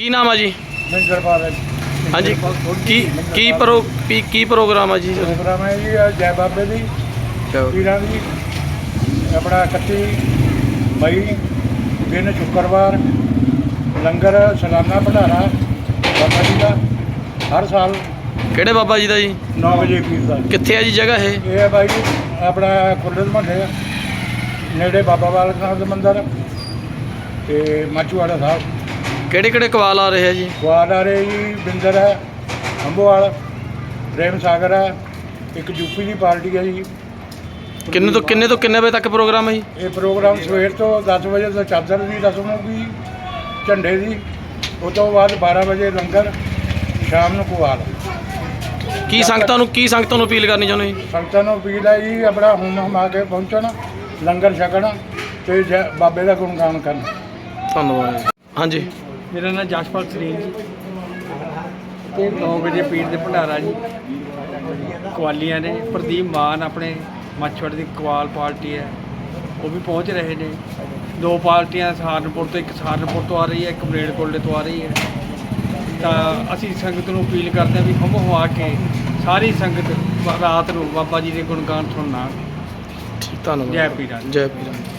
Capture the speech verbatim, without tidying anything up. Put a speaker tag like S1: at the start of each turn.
S1: ਕੀ ਨਾਮ ਆ ਜੀ?
S2: ਮਿੰਦਰਪਾਲ ਹੈ।
S1: ਹਾਂਜੀ, ਕੀ ਕੀ ਪ੍ਰੋ ਕੀ ਕੀ ਪ੍ਰੋਗਰਾਮ ਆ ਜੀ?
S2: ਪ੍ਰੋਗਰਾਮ ਹੈ ਜੀ ਆਹ ਜੈ ਬਾਬੇ ਦੀ ਪੀਰਾਂ ਦੀ ਆਪਣਾ ਇਕੱਤੀ ਮਈ ਦਿਨ ਸ਼ੁੱਕਰਵਾਰ ਲੰਗਰ ਸਾਲਾਨਾ ਭੰਡਾਰਾ ਬਾਬਾ ਜੀ ਦਾ ਹਰ ਸਾਲ।
S1: ਕਿਹੜੇ ਬਾਬਾ ਜੀ ਦਾ ਜੀ?
S2: ਨੌ ਵਜੇ ਪੀਰ ਦਾ।
S1: ਕਿੱਥੇ ਆ ਜੀ ਜਗ੍ਹਾ ਇਹ?
S2: ਇਹ ਹੈ ਬਾਈ ਜੀ ਆਪਣਾ ਖੁਰਦ ਮਹੱਲੇ ਨੇੜੇ ਬਾਬਾ ਬਾਲਕ ਨਾਥ ਦਾ ਮੰਦਿਰ ਤੇ ਮਾਚੂਵਾੜਾ ਸਾਹਿਬ।
S1: ਕਿਹੜੇ ਕਿਹੜੇ ਕਵਾਲ ਆ ਰਹੇ ਆ ਜੀ?
S2: ਕੁਆਲ ਆ ਰਹੇ ਜੀ ਬਿੰਦਰ ਹੈ, ਅੰਬੋਵਾਲ, ਪ੍ਰੇਮ ਸਾਗਰ ਹੈ, ਇੱਕ ਯੂਪੀ ਦੀ ਪਾਰਟੀ ਹੈ ਜੀ।
S1: ਕਿੰਨੇ ਤੋਂ ਕਿੰਨੇ ਤੋਂ ਕਿੰਨੇ ਵਜੇ ਤੱਕ ਪ੍ਰੋਗਰਾਮ ਹੈ ਜੀ?
S2: ਇਹ ਪ੍ਰੋਗਰਾਮ ਸਵੇਰ ਤੋਂ ਦਸ ਵਜੇ ਤੋਂ ਚਾਦਰ ਦੀ ਰਸਮ ਹੋਊਗੀ, ਝੰਡੇ ਦੀ। ਉਸ ਤੋਂ ਬਾਅਦ ਬਾਰ੍ਹਾਂ ਵਜੇ ਲੰਗਰ, ਸ਼ਾਮ ਨੂੰ ਕੁਆਲ।
S1: ਕੀ ਸੰਗਤਾਂ ਨੂੰ ਕੀ ਸੰਗਤਾਂ ਨੂੰ ਅਪੀਲ ਕਰਨੀ ਚਾਹੁੰਦੇ ਜੀ?
S2: ਸੰਗਤਾਂ ਨੂੰ ਅਪੀਲ ਹੈ ਜੀ ਆਪਣਾ ਹੁਮ ਹਮਾ ਕੇ ਪਹੁੰਚਣ, ਲੰਗਰ ਛਕਣ ਤੇ ਜੈ ਬਾਬੇ ਦਾ ਗੁਣਗਾਨ ਕਰਨ।
S1: ਧੰਨਵਾਦ ਜੀ। ਹਾਂਜੀ,
S3: ਮੇਰਾ ਨਾਮ ਜਸ਼ਪਾਲ ਸਰੀਨ ਜੀ ਤੇ ਨੌ ਵਜੇ ਪੀਰ ਦੇ ਭੰਡਾਰਾ ਜੀ ਕਵਾਲੀਆਂ ਨੇ। ਪ੍ਰਦੀਪ ਮਾਨ ਆਪਣੇ ਮਾਛੜ ਦੀ ਕਵਾਲ ਪਾਰਟੀ ਹੈ, ਉਹ ਵੀ ਪਹੁੰਚ ਰਹੇ ਨੇ। ਦੋ ਪਾਰਟੀਆਂ ਸਹਾਰਨਪੁਰ ਤੋਂ, ਇੱਕ ਸਹਾਰਨਪੁਰ ਤੋਂ ਆ ਰਹੀ ਹੈ, ਇੱਕ ਮਲੇਰਕੋਟਲੇ ਤੋਂ ਆ ਰਹੀ ਹੈ। ਤਾਂ ਅਸੀਂ ਸੰਗਤ ਨੂੰ ਅਪੀਲ ਕਰਦੇ ਹਾਂ ਵੀ ਹੁੰਮ ਹੁਆ ਕੇ ਸਾਰੀ ਸੰਗਤ ਰਾਤ ਨੂੰ ਬਾਬਾ ਜੀ ਦੇ ਗੁਣਗਾਨ ਸੁਣਨਾ।
S1: ਧੰਨਵਾਦ।
S3: ਜੈ ਪੀਰਾਂ।
S1: ਜੈ ਪੀਰਾਂ।